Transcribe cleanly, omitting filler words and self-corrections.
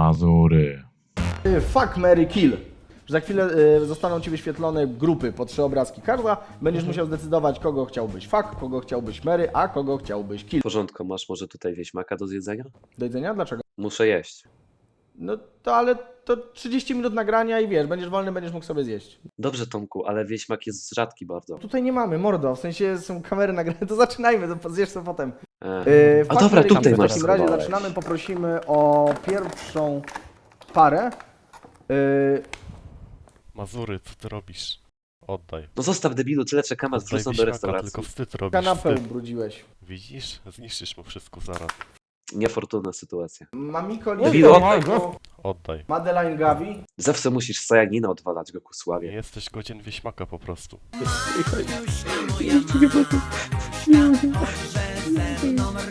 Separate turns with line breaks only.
Mazury.
Fuck, marry, kill. Że za chwilę zostaną ci wyświetlone grupy po 3 obrazki każda. Będziesz musiał zdecydować, kogo chciałbyś fuck, kogo chciałbyś marry, a kogo chciałbyś kill.
W porządku, masz może tutaj wieśmaka do zjedzenia?
Do jedzenia? Dlaczego?
Muszę jeść.
No to ale to 30 minut nagrania i wiesz, będziesz wolny, będziesz mógł sobie zjeść.
Dobrze, Tomku, ale wieśmak jest rzadki bardzo.
Tutaj nie mamy, mordo, w sensie są kamery nagrane, to zaczynajmy, to zjesz to potem.
A
Fuck,
dobra,
marry,
tutaj
kill. W
masz
takim razie
schowałeś.
zaczynamy, poprosimy o pierwszą parę.
Mazury, co ty robisz? Oddaj.
No zostaw debilu, tyle czekam, aż
Oddaj
wrzucą do
wieśmaka,
restauracji.
tylko wstyd robisz,
Kanapę
wstyd.
ubrudziłeś.
Widzisz? Zniszczysz mu wszystko zaraz.
Niefortunna sytuacja.
Mamiko
Debilu,
Lidia,
oddaj
Oddaj.
Madeline Gavi.
Zawsze musisz Sajanina odwalać go ku
Nie
sławie.
jesteś godzien wieśmaka po prostu.